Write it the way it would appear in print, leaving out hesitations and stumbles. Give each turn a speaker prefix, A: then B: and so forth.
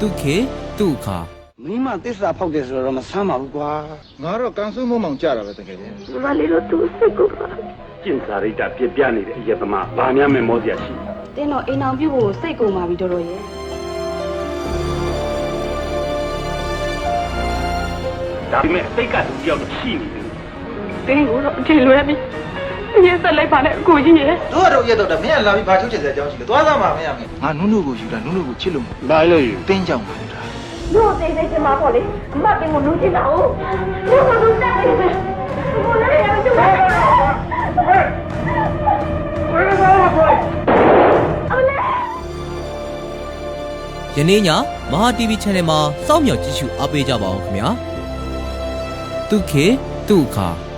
A: တုခေတုခါ
B: မိမသစ္စာဖောက်တယ်ဆိုတော့မဆမ်းပါဘူးကွာ
C: ငါတော့ကန်ဆူးမုံမောင်ကြတာပဲတကယ်ချင်း
D: မလေးတို့သူစိတ်ကိုပါ
E: ကျင့်စာရိတ္တပြပြနေတဲ့အယက်သမားဘာများမဲ့မောစရာရှိ
D: တင်းတော့အိမ်အောင်ပြုတ်ဖို့စိတ်ကုန်ပါပြီတော်တော်ရဲ့
E: ဒါပေမဲ့စိတ်ကတူတယောက်တော့ရှိနေတယ်
D: တင်းကိုတော့အထင်လွဲပြီအရင်ဆက်လိုက်ပါနဲ့အကိုကြီးရဲ့
C: တို့ကတော့ရက်တော့တယ်မင်းကလာပြီးဘာထုတ်ချင်တဲ့အကြောင်းရှိလဲသွားသားမှာမင်းရမင်းငါနုနုကိုယူတာနုနုကိုချစ်လို့
E: ဘာလို့ယူ
C: တင်းကြောင်ပါလား
D: တို့တိတ်နေချင်မှာပေါ့လေအမတင်ကိုလူချင်တာဟုတ်တို့ကလူတက်နေတယ်ကိုလည်းရမကျပါဘူး
A: ယနေ့ညမဟာ TV Channel မှာစောင့်မျှော်ကြည့်ရှုအားပေးကြပါအောင်ခင်ဗျာတုခေတုခါ